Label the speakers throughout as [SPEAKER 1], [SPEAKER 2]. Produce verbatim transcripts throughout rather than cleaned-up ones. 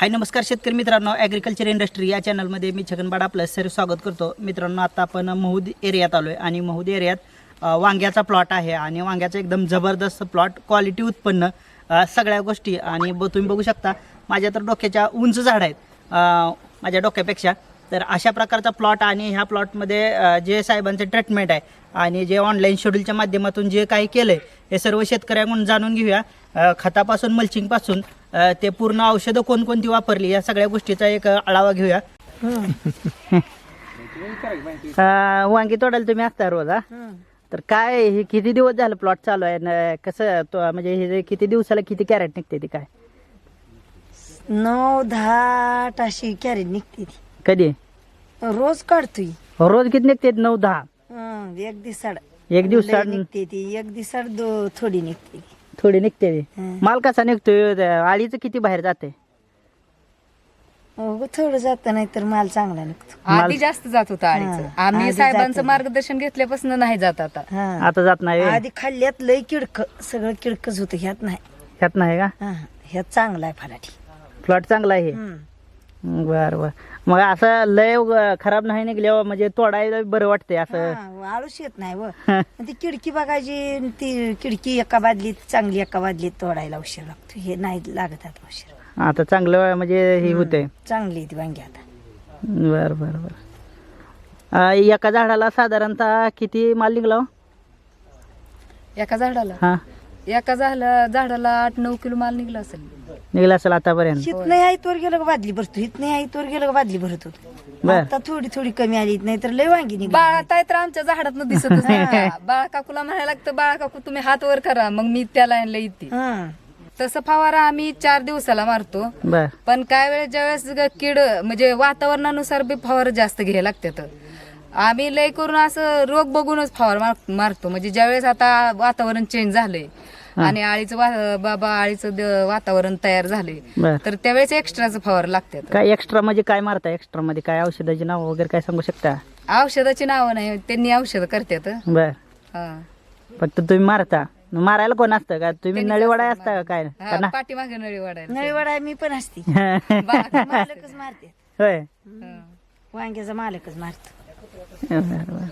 [SPEAKER 1] हाय नमस्कार शेतकरी मित्रांनो, ॲग्रिकल्चर इंडस्ट्री या चॅनलमध्ये मी छगनबाड आपलं सर स्वागत करतो. मित्रांनो, आता आपण महूद एरियात आलो आहे आणि महूद एरियात अ, वांग्याचा प्लॉट आहे आणि वांग्याचा एकदम जबरदस्त प्लॉट, क्वालिटी उत्पन्न, अ, सगळ्या गोष्टी. आणि ब तुम्ही बघू शकता माझ्या तर डोक्याच्या उंच झाड आहेत अ, माझ्या डोक्यापेक्षा. तर अशा प्रकारचा प्लॉट आणि ह्या प्लॉटमध्ये अ, जे साहेबांचं ट्रीटमेंट आहे आणि जे ऑनलाईन शेड्यूलच्या माध्यमातून जे काही केलं आहे हे सर्व शेतकऱ्यांकडून जाणून घेऊया. अ, खतापासून मल्चिंगपासून अ, ते पूर्ण औषधं कोणकोणती वापरली या सगळ्या गोष्टीचा एक आढावा घेऊया. अ, वांगी तोडायला तुम्ही असता रोज? हा, तर काय हे किती दिवस झालं प्लॉट चालू आहे न कसं तो म्हणजे हे जे किती दिवसाला किती कॅरेट निघते ती काय?
[SPEAKER 2] नऊ दहा अशी कॅरेट निघते ती.
[SPEAKER 1] कधी
[SPEAKER 2] रोज काढतोय.
[SPEAKER 1] रोज किती निघते? नऊ दहा
[SPEAKER 2] हं, एक दिवसाड
[SPEAKER 1] एक दिवसाड
[SPEAKER 2] लय निघते ती. एक दिवसाड दो थोडी निघते ती.
[SPEAKER 1] थोडी निघते ती.
[SPEAKER 2] हं.
[SPEAKER 1] माल कसा निघतोय? आळीचं किती बाहेर जाते?
[SPEAKER 2] हो, थोडं जात नाही तर माल चांगला निघतो.
[SPEAKER 3] आधी जास्त जात होता आळीचं.
[SPEAKER 2] हा,
[SPEAKER 3] आम्ही
[SPEAKER 2] आधी
[SPEAKER 3] साहेबांचं
[SPEAKER 2] जात
[SPEAKER 3] मार्गदर्शन घेतल्यापासून नाही जात आता.
[SPEAKER 2] हं.
[SPEAKER 1] आता जात नाही?
[SPEAKER 2] आधी खाल्ल्यात लय किडक, सगळं किडकच होतं. ह्यात नाही.
[SPEAKER 1] ह्यात नाही का?
[SPEAKER 2] हं, ह्यात चांगला आहे फलाटी.
[SPEAKER 1] प्लॉट चांगला आहे.
[SPEAKER 2] हं.
[SPEAKER 1] बर बर. मग असं लय ग- खराब नाही निघल्यावर म्हणजे तोडायला बरं वाटते असं?
[SPEAKER 2] हं, आळूच येत नाही व ती किडकी बघायची. ती किडकी एका बादलीत चांगली, एका बादलीत तोडायला उशीर लागतो. हे नाही लागत आता उशीर.
[SPEAKER 1] आता चांगलं म्हणजे हे होते.
[SPEAKER 2] चांगली आहे ती वांगी आता.
[SPEAKER 1] बर बर बर. अं, एका झाडाला साधारणतः किती माल निघला हो?
[SPEAKER 3] एका झाडाला
[SPEAKER 1] हा,
[SPEAKER 3] एका झाला झाडाला आठ नऊ किलो माल निघला असेल.
[SPEAKER 1] निघला असेल आतापर्यंत?
[SPEAKER 2] हित नाही आई तोर गेलं का बादली भरतो. हित नाही आई तोर गेलं का बादली भरत होतो.
[SPEAKER 1] बर.
[SPEAKER 2] आता थोडी थोडी कमी आली, नाही तर लय वांगी निघली.
[SPEAKER 3] बाळा ताई तर आमच्या झाडात दिसतच नाही का? बाळा काकूला म्हणायला लागतं, बाळा काकू तुम्ही हात वर करा, मग मी त्याला आणलं इथे.
[SPEAKER 2] हं.
[SPEAKER 3] तसं फवारा आम्ही चार दिवसाला मारतो.
[SPEAKER 1] बर.
[SPEAKER 3] पण काय वेळेस ज्यावेळेस ग- कीड म्हणजे वातावरणानुसार बी फवार जास्त घ्यायला लागतात. आम्ही लय करून असं रोग बघूनच फवार मार- मारतो. म्हणजे ज्यावेळेस आता वातावरण चेंज झालंय आणि आळीचं वा- बाबा आळीचं द- वातावरण तयार झाले
[SPEAKER 1] बर.
[SPEAKER 3] तर त्यावेळेस एक्स्ट्राचं फवार लागतात.
[SPEAKER 1] काय एक्स्ट्रा म्हणजे काय मारता? एक्स्ट्रा मध्ये काय औषधाची नाव वगैरे काय सांगू शकता?
[SPEAKER 3] औषधाची नावं नाही, त्यांनी औषध करतात.
[SPEAKER 1] बर.
[SPEAKER 3] हा.
[SPEAKER 1] फक्त तुम्ही मारता? मारायला कोण असतं का? तुम्ही
[SPEAKER 3] त्यांनीच
[SPEAKER 1] नळीवडा
[SPEAKER 3] असतं
[SPEAKER 1] असता का काय?
[SPEAKER 3] हा,
[SPEAKER 1] का ना?
[SPEAKER 3] पाठीमागे नळी वाढायला
[SPEAKER 2] नळी वडा मी पण असते.
[SPEAKER 3] बाळा-
[SPEAKER 2] मालकच मारते.
[SPEAKER 1] होय.
[SPEAKER 3] हा.
[SPEAKER 2] वांग्याचा मालकच मारतो.
[SPEAKER 1] बर बर.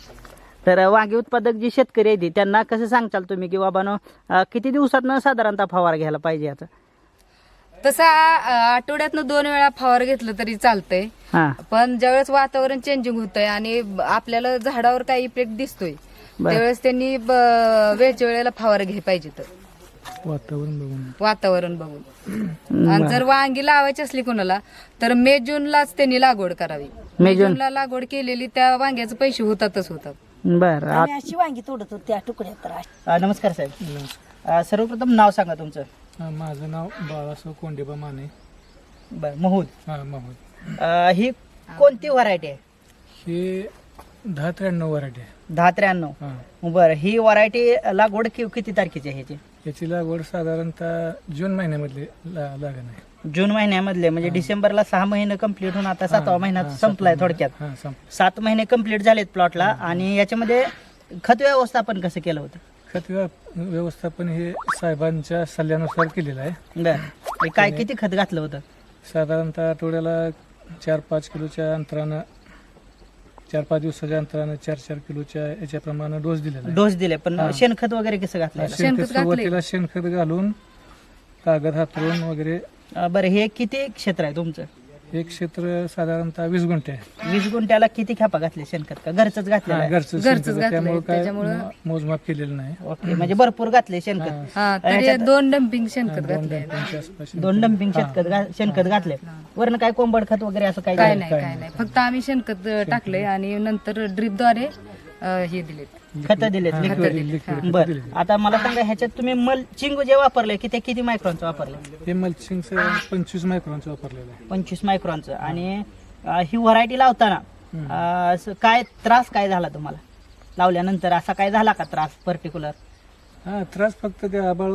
[SPEAKER 1] तर वांगी उत्पादक जी शेतकरी आहेत त्यांना कसं सांगचाल तुम्ही की बाबानो किती दिवसातनं साधारणतः फवार घ्यायला पाहिजे याचा?
[SPEAKER 3] तसं आ- आठवड्यातनं दोन वेळा फवार घेतलं तरी चालतंय.
[SPEAKER 1] हा,
[SPEAKER 3] पण ज्यावेळेस वातावरण चेंजिंग होतंय आणि ब- आपल्याला झाडावर काही इफेक्ट दिसतोय
[SPEAKER 1] बर.
[SPEAKER 3] त्यावेळेस त्यांनी ब- वेळच्या वेळेला फवार घ्यायला पाहिजे. तर
[SPEAKER 4] वातावरण बघून
[SPEAKER 3] वातावरण बघून. आणि जर वांगी लावायची असली कोणाला तर मे जूनलाच त्यांनी लागवड करावी.
[SPEAKER 1] मे
[SPEAKER 3] मे
[SPEAKER 1] जून.
[SPEAKER 3] जूनला लागवड केलेली त्या वांग्याचे पैसे होतातच होतात.
[SPEAKER 1] बर.
[SPEAKER 2] आम्ही अशी वांगी तोडत होतो त्या तुकड्यात. तर अशी.
[SPEAKER 1] आ, नमस्कार साहेब. आ, सर्वप्रथम नाव सांगा तुमचं.
[SPEAKER 4] हा, माझं नाव बाळासाहेब कोंडेबा माने.
[SPEAKER 1] बर. महूद.
[SPEAKER 4] हा, महूद.
[SPEAKER 1] आ, ही कोणती व्हरायटी आहे?
[SPEAKER 4] हे दहा त्र्याण्णव वराठी आहे.
[SPEAKER 1] दहा त्र्याण्णव.
[SPEAKER 4] हा,
[SPEAKER 1] बरं. ही व्हरायटी लागवड कि- किती तारखेची आहे ह्याची?
[SPEAKER 4] याची लागवड साधारणतः जून महिन्यामधली ला- लागण आहे.
[SPEAKER 1] जून महिन्यामधले म्हणजे डिसेंबरला सहा महिने कंप्लीट होऊन आता सातवा महिना
[SPEAKER 4] हा,
[SPEAKER 1] संपलाय
[SPEAKER 4] सातवा
[SPEAKER 1] थोडक्यात.
[SPEAKER 4] महिना. हा, संप
[SPEAKER 1] सात महिने कंप्लीट झालेत प्लॉटला. आणि याच्यामध्ये खत व्यवस्थापन कसं केलं होतं?
[SPEAKER 4] खत व्यव- व्यवस्थापन हे साहेबांच्या सल्ल्यानुसार केलेलं आहे.
[SPEAKER 1] बर. काय किती खत घातलं होतं?
[SPEAKER 4] साधारणतः आठवड्याला चार पाच किलोच्या अंतरानं, चार पाच दिवसाच्या अंतरानं चार चार किलोच्या याच्याप्रमाणे डोस दिलेला आहे.
[SPEAKER 1] डोस दिले, पण
[SPEAKER 4] हा.
[SPEAKER 1] शेणखत वगैरे कसं घातलं?
[SPEAKER 4] शेणखत
[SPEAKER 3] शेणखत घातलंय.
[SPEAKER 4] सुरुवातीला शेणखत घालून कागद हातरून वगैरे.
[SPEAKER 1] बरं. हे किती क्षेत्र आहे तुमचं?
[SPEAKER 4] एक क्षेत्र साधारणतः वीस गुंठे आहे.
[SPEAKER 1] वीस गुंठ्याला किती खेपा घातले शेणखत? का घरचंच घातलेलं
[SPEAKER 4] हा,
[SPEAKER 1] आहे?
[SPEAKER 4] घरचं
[SPEAKER 3] घरचंच
[SPEAKER 4] शेणखत आहे,
[SPEAKER 3] घातलंय.
[SPEAKER 4] त्यामुळे काय
[SPEAKER 3] त्याच्यामुळं-
[SPEAKER 4] मो- मोजमाप केलेलं नाही.
[SPEAKER 1] ओके, म्हणजे भरपूर घातले शेणखत.
[SPEAKER 4] हा,
[SPEAKER 3] हा, तरी
[SPEAKER 1] याच्यात-
[SPEAKER 3] दोन डम्पिंग
[SPEAKER 4] हा,
[SPEAKER 3] शेणखत
[SPEAKER 4] दोन
[SPEAKER 3] घातले.
[SPEAKER 4] डंपिंगच्या आसपास
[SPEAKER 1] दोन डम्पिंग शेणखत घा- शेणखत घातले. वरण काय कोंबड खत वगैरे असं काय
[SPEAKER 3] काय
[SPEAKER 1] घातलं?
[SPEAKER 3] नाही काय नाही, फक्त आम्ही शेणखत टाकले आणि नंतर ड्रिपद्वारे हे दिले.
[SPEAKER 1] खत दिलेत
[SPEAKER 4] हा,
[SPEAKER 1] लिक्विड.
[SPEAKER 4] लिक्विड
[SPEAKER 1] बर.
[SPEAKER 4] दिले.
[SPEAKER 1] आता मला सांगा ह्याच्यात तुम्ही मल्चिंग जे वापरले की ते किती मायक्रॉनचं वापरलं?
[SPEAKER 4] हे मल्चिंगचं पंचवीस मायक्रॉनचं वापरलेलं आहे.
[SPEAKER 1] पंचवीस मायक्रॉनचं. आणि अं, ही व्हरायटी लावताना अं, असं काय त्रास काय झाला तुम्हाला लावल्यानंतर? असा काय झाला का त्रास पर्टिक्युलर?
[SPEAKER 4] हा, त्रास फक्त ते आबाळ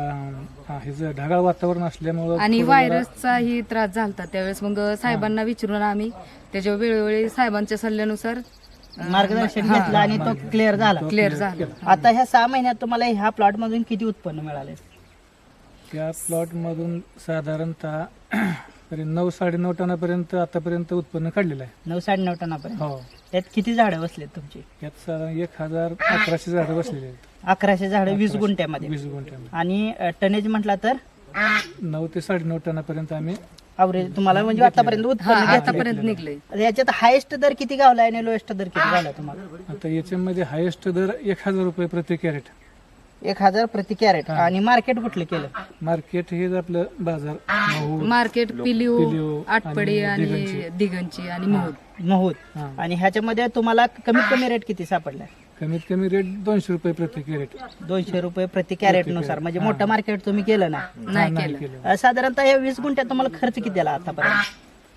[SPEAKER 4] हे जे ढगाळ वातावरण असल्यामुळं
[SPEAKER 3] आणि
[SPEAKER 4] थोडं
[SPEAKER 3] व्हायरसचाही त्रास झाला. त्यावेळेस मग साहेबांना विचारून आम्ही त्याच्या वेळोवेळी साहेबांच्या सल्ल्यानुसार
[SPEAKER 1] मार्गदर्शन घेतलं आणि तो क्लिअर झाला.
[SPEAKER 3] क्लिअर झाला.
[SPEAKER 1] आता ह्या सहा महिन्यात तुम्हाला ह्या प्लॉट मधून किती उत्पन्न मिळाले?
[SPEAKER 4] त्या प्लॉट मधून साधारणतः तरी नऊ साडेनऊ टनापर्यंत आतापर्यंत उत्पन्न काढलेलं आहे.
[SPEAKER 1] नऊ साडेनऊ टनापर्यंत.
[SPEAKER 4] हो
[SPEAKER 1] त्यात किती झाडं बसलेत तुमची?
[SPEAKER 4] यात साधारण एक हजार अकराशे झाडं बसलेली आहेत
[SPEAKER 1] अकराशे झाडं वीस गुंठ्यामध्ये.
[SPEAKER 4] वीस गुंठ्यामध्ये.
[SPEAKER 1] आणि टनेज म्हटला तर
[SPEAKER 4] नऊ ते साडेनऊ टनापर्यंत आम्ही
[SPEAKER 1] अवरेज तुम्हाला म्हणजे आतापर्यंत
[SPEAKER 3] हा
[SPEAKER 1] उत्पन्न घेतलं.
[SPEAKER 3] आतापर्यंत निघलंय.
[SPEAKER 1] याच्यात हायेस्ट दर किती गावला आणि लोएस्ट दर किती गावला तुम्हाला?
[SPEAKER 4] आता याच्यामध्ये हायेस्ट दर एक हजार रुपये प्रति कॅरेट.
[SPEAKER 1] एक हजार प्रति कॅरेट. आणि मार्केट कुठलं केलं?
[SPEAKER 4] मार्केट हे आपलं बाजार महू
[SPEAKER 3] मार्केट पिलिओ
[SPEAKER 4] पिलिओ
[SPEAKER 3] आटपडी
[SPEAKER 4] आणि
[SPEAKER 3] आणि दिगंची आणि महूद.
[SPEAKER 1] महूद.
[SPEAKER 4] हा.
[SPEAKER 1] आणि ह्याच्यामध्ये तुम्हाला कमीत कमी रेट किती सापडलाय?
[SPEAKER 4] कमीत कमी रेट दोनशे रुपये प्रति कॅरेट.
[SPEAKER 1] दोनशे रुपये प्रति कॅरेट नुसार. म्हणजे मोठं मार्केट तुम्ही केलं ना?
[SPEAKER 3] नाही केलं.
[SPEAKER 1] अं, साधारणतः या वीस गुंठ्यात तुम्हाला खर्च किती आला आतापर्यंत?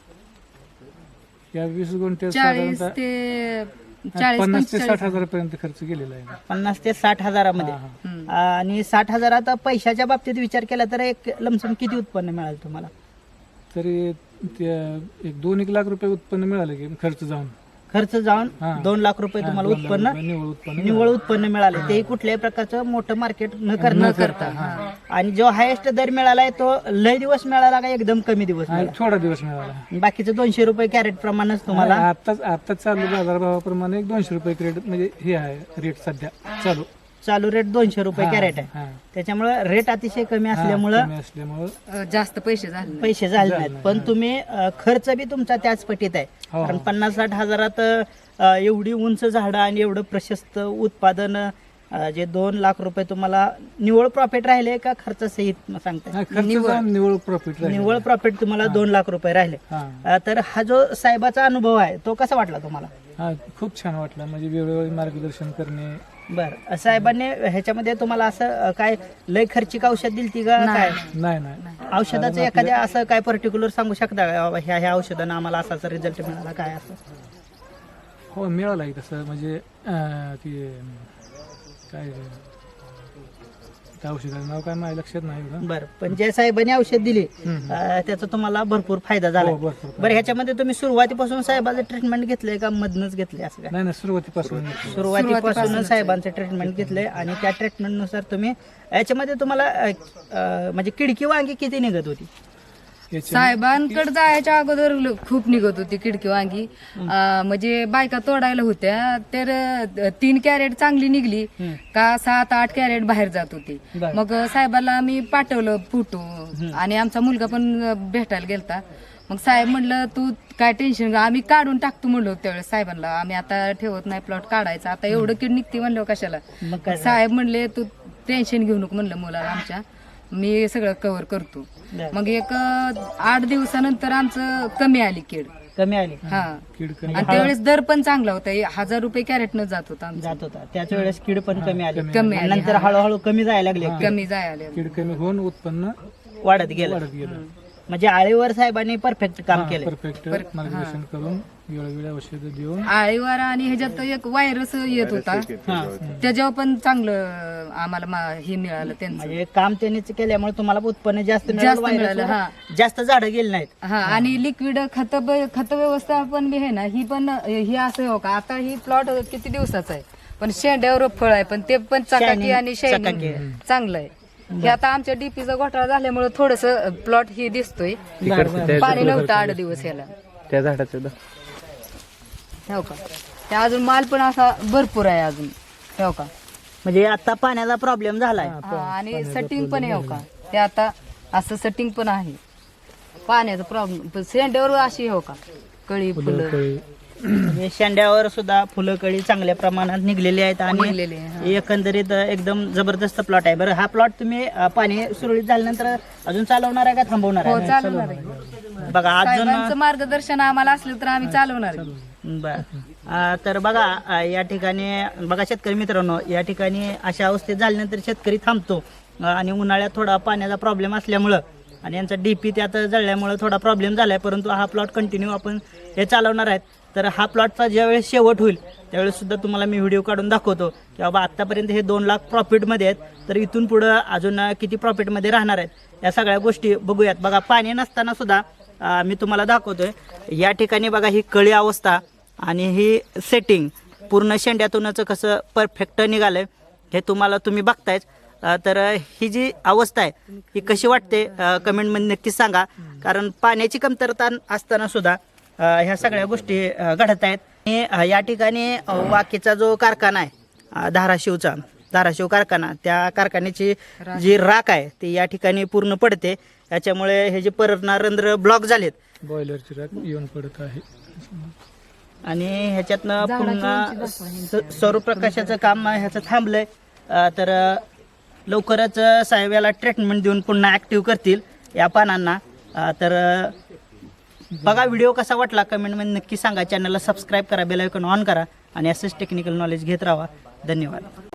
[SPEAKER 4] या वीस गुंठ्यात
[SPEAKER 3] चाळीस
[SPEAKER 4] साधारणतः
[SPEAKER 3] ते चाळीस
[SPEAKER 4] पन्नास ते
[SPEAKER 3] पंचेचाळीस.
[SPEAKER 4] साठ हजारापर्यंत खर्च केलेला आहे.
[SPEAKER 1] पन्नास ते साठ हजारामध्ये.
[SPEAKER 4] हा, हा.
[SPEAKER 3] हम्म.
[SPEAKER 1] आणि साठ हजारात पैशाच्या बाबतीत विचार केला तर एक लमसम किती उत्पन्न मिळालं तुम्हाला?
[SPEAKER 4] तरी त्या एक दोन एक लाख रुपये उत्पन्न मिळालं की खर्च जाऊन.
[SPEAKER 1] खर्च जाऊन
[SPEAKER 4] हा.
[SPEAKER 1] दोन लाख रुपये
[SPEAKER 4] हा,
[SPEAKER 1] तुम्हाला
[SPEAKER 4] दोन लाख
[SPEAKER 1] उत्पन्न
[SPEAKER 4] रुपये निव्वळ उत्पन्न
[SPEAKER 1] निव्वळ उत्पन्न मिळाले. तेही कुठल्याही प्रकारचं मोठं मार्केट न
[SPEAKER 3] न
[SPEAKER 1] करता.
[SPEAKER 3] करता हा.
[SPEAKER 1] आणि जो हायेस्ट दर मिळालाय तो लय दिवस मिळाला का एकदम कमी दिवस
[SPEAKER 4] हा,
[SPEAKER 1] मिळाला?
[SPEAKER 4] थोडा दिवस मिळाला.
[SPEAKER 1] बाकीचे दोनशे रुपये कॅरेट प्रमाणेच तुम्हाला.
[SPEAKER 4] आताच आता चालू बाजारभावाप्रमाणे एक दोनशे रुपये क्रेडिट म्हणजे हे आहे रेट सध्या चालू.
[SPEAKER 1] चालू रेट दोनशे रुपये
[SPEAKER 4] हा,
[SPEAKER 1] कॅरेट आहे.
[SPEAKER 4] हा.
[SPEAKER 1] त्याच्यामुळे रेट अतिशय कमी
[SPEAKER 4] हा,
[SPEAKER 1] असल्यामुळं
[SPEAKER 4] कमी असल्यामुळं
[SPEAKER 3] अ, जास्त पैसे झाले.
[SPEAKER 1] पैसे झाले
[SPEAKER 4] झाले
[SPEAKER 1] नाहीत. पण तुम्ही अ, खर्च बी तुमचा त्याच पटीत आहे.
[SPEAKER 4] हो.
[SPEAKER 1] कारण पन्नास साठ हजारात अ, एवढी उंच झाडं आणि एवढं प्रशस्त उत्पादन अ, जे दोन लाख रुपये तुम्हाला निव्वळ प्रॉफिट राहिले का खर्चासहित सांगताय?
[SPEAKER 4] हा, खर्च जाऊन निव्वळ प्रॉफिट
[SPEAKER 1] निव्वळ प्रॉफिट तुम्हाला दोन लाख रुपये राहिले.
[SPEAKER 4] हा
[SPEAKER 1] अ, तर हा जो साहेबाचा अनुभव आहे तो कसा वाटला तुम्हाला?
[SPEAKER 4] हा खूप छान वाटला. म्हणजे वेळोवेळी मार्गदर्शन करणे.
[SPEAKER 1] बरं, साहेबांनी ह्याच्यामध्ये तुम्हाला असं अ, काय लय खर्चिक औषध दिलती का काय?
[SPEAKER 4] नाही नाही
[SPEAKER 1] औषधाचं एखाद्या असं काय पर्टिक्युलर सांगू शकता का बाबा ह्या ह्या औषधानं आम्हाला असाचा रिझल्ट मिळाला काय असं?
[SPEAKER 4] हो मिळाला आहे तसं. म्हणजे अं, ते काय त्या औषधाचं नाव काय माझ्या लक्षात नाही बरं.
[SPEAKER 1] बरं, पण ज्या साहेबांनी औषध दिली
[SPEAKER 4] हम्म.
[SPEAKER 1] अ, त्याचा तुम्हाला भरपूर फायदा झाला.
[SPEAKER 4] हो, भरपूर.
[SPEAKER 1] बरं, ह्याच्यामध्ये तुम्ही सुरुवातीपासून साहेबाचं ट्रीटमेंट घेतलंय का मधनच घेतले असं काय?
[SPEAKER 4] नाही नाही सुरुवातीपासून
[SPEAKER 1] सुरुवातीपासून साहेबांचं ट्रीटमेंट घेतलंय आणि त्या ट्रीटमेंटनुसार तुम्ही याच्यामध्ये तुम्हाला अ, अ, म्हणजे किडकी वांगी किती निघत होती?
[SPEAKER 4] याच्या-
[SPEAKER 3] साहेबांकडे जायच्या अगोदर ल- खूप निघत होती किडकी वांगी. अं, म्हणजे बायका तोडायला होत्या तर अं, तीन कॅरेट चांगली निघली
[SPEAKER 1] हम्म.
[SPEAKER 3] का सात आठ कॅरेट बाहेर जात होती.
[SPEAKER 1] बरं.
[SPEAKER 3] मग साहेबाला आम्ही पाठवलं फोटो आणि आमचा मुलगा पण अं, भेटायला गेलता. मग साहेब म्हणलं तू काय टेन्शन आम्ही काढून टाकतो म्हणलो त्यावेळेस साहेबांना. आम्ही आता ठेवत नाही प्लॉट काढायचा आता एवढं कीड निघते म्हणलं कशाला.
[SPEAKER 1] मग काय झालं?
[SPEAKER 3] साहेब म्हणले तू टेन्शन घेऊ नको म्हणलं मुलाला आमच्या, मी सगळं कव्हर करतो.
[SPEAKER 1] बरं.
[SPEAKER 3] मग एक अं, आठ दिवसानंतर आमचं कमी आली कीड.
[SPEAKER 1] कमी आली
[SPEAKER 3] हा
[SPEAKER 4] कीड कमी
[SPEAKER 3] आणि त्यावेळेस दर पण चांगला होता हे हजार रुपये कॅरेट न जात होता आमचा.
[SPEAKER 1] जात होता त्याच वेळेस कीड पण कमी आली.
[SPEAKER 3] कमी
[SPEAKER 1] आणि
[SPEAKER 3] आली,
[SPEAKER 1] नंतर
[SPEAKER 3] हा.
[SPEAKER 1] हळूहळू कमी जायला लागले.
[SPEAKER 3] कमी जायला
[SPEAKER 4] कीड कमी होऊन उत्पन्न
[SPEAKER 1] वाढत गेलं.
[SPEAKER 4] वाढत गेलं.
[SPEAKER 1] म्हणजे आळीवर साहेबांनी परफेक्ट काम केलं.
[SPEAKER 4] परफेक्ट मार्गदर्शन करून वेळोवेळी औषधं देऊन
[SPEAKER 3] आळीवारा आणि ह्याच्यात एक व्हायरस येत होता
[SPEAKER 1] हा.
[SPEAKER 3] त्याच्यावर पण चांगलं आम्हाला मा- हे मिळालं त्यांचं.
[SPEAKER 1] म्हणजे काम त्यांनीच केल्यामुळे तुम्हाला उत्पन्न जास्त मिळालं,
[SPEAKER 3] जास्त
[SPEAKER 1] virus
[SPEAKER 3] मिळालं,
[SPEAKER 1] वर
[SPEAKER 3] हा.
[SPEAKER 1] जास्त झाडं गेली नाहीत.
[SPEAKER 3] हा आणि लिक्विड खत खत व्यवस्था पण बी आहे ना ही पण ही असं हो का आता ही प्लॉट किती दिवसाचा आहे पण शेंड्यावर फळ आहे पण ते पण चकाकी
[SPEAKER 1] Shining,
[SPEAKER 3] आणि शायनिंग
[SPEAKER 1] चकाकी.
[SPEAKER 3] चांगलं आहे. हे आता आमच्या डीपीचा घोटाळा झाल्यामुळे थोडस प्लॉट हे दिसतोय.
[SPEAKER 1] बरं, बरं.
[SPEAKER 3] पाणी नव्हतं आठ दिवस याला
[SPEAKER 5] त्या झाडाचं द-
[SPEAKER 3] हो का ते अजून माल पण असा भरपूर आहे अजून हो का.
[SPEAKER 1] म्हणजे आता पाण्याचा प्रॉब्लेम झालाय.
[SPEAKER 3] हा, आणि सेटिंग पण आहे हो का ते आता असं सेटिंग पण आहे पाण्याचा प्रॉब्लेम शेंड्यावर अशी हो का कळी फुलं
[SPEAKER 4] कळी.
[SPEAKER 1] म्हणजे शेंड्यावर सुद्धा फुलं कळी चांगल्या प्रमाणात निघलेली आहेत आणि
[SPEAKER 3] निघलेले आहे, हा.
[SPEAKER 1] एकंदरीत एकदम जबरदस्त प्लॉट आहे. बरं, हा प्लॉट तुम्ही अं, पाणी सुरळीत झाल्यानंतर अजून चालवणार आहे का थांबवणार
[SPEAKER 3] हो
[SPEAKER 1] आहे?
[SPEAKER 3] चालवणार आहे.
[SPEAKER 1] बघा अजून
[SPEAKER 3] साहेबांचं मार्गदर्शन आम्हाला असलं तर आम्ही चालवणार आहे.
[SPEAKER 1] बर अं, तर बघा अं, या ठिकाणी बघा शेतकरी मित्रांनो, या ठिकाणी अशा अवस्थेत झाल्यानंतर शेतकरी थांबतो अं, आणि उन्हाळ्यात थोडा पाण्याचा प्रॉब्लेम असल्यामुळं आणि यांचा डीपी त्यात जळल्यामुळं थोडा प्रॉब्लेम झालाय, परंतु हा प्लॉट कंटिन्यू आपण हे चालवणार आहेत. तर हा प्लॉटचा ज्यावेळेस शेवट होईल त्यावेळेस सुद्धा तुम्हाला मी व्हिडिओ काढून दाखवतो की बाबा आत्तापर्यंत हे दोन लाख प्रॉफिटमध्ये आहेत तर इथून पुढं अजून किती प्रॉफिटमध्ये राहणार आहेत या सगळ्या गोष्टी बघूयात. बघा पाणी नसताना सुद्धा अं, मी तुम्हाला दाखवतोय या ठिकाणी बघा ही कळी अवस्था आणि ही सेटिंग पूर्ण शेंड्यातूनच कसं परफेक्ट निघालंय हे तुम्हाला तुम्ही बघतायच. अ, तर ही जी अवस्था आहे ही कशी वाटते कमेंटमध्ये नक्कीच सांगा. कारण पाण्याची कमतरता असताना सुद्धा अ, ह्या सगळ्या गोष्टी अ, घडत आहेत. आणि अ, या ठिकाणी अ, वाकेचा जो कारखाना आहे अ, धाराशिवचा धाराशिव कारखाना, त्या कारखान्याची जी राख आहे ती या ठिकाणी पूर्ण पडते. याच्यामुळे हे जे परणार रंध्र ब्लॉक झालेत
[SPEAKER 4] बॉयलरची राख येऊन पडत आहे.
[SPEAKER 1] आणि ह्याच्यातनं पुन्हा स- सौरप्रकाशाचं काम ह्याचं थांबलंय. अ, तर अ, लवकरच अ, साहेब याला ट्रीटमेंट देऊन पुन्हा ॲक्टिव्ह करतील या पानांना. अ, तर अ, बघा व्हिडिओ कसा वाटला कमेंटमध्ये नक्की सांगा. चॅनलला सबस्क्राईब करा, बेल आयकॉन ऑन करा आणि असंच टेक्निकल नॉलेज घेत राहा. धन्यवाद.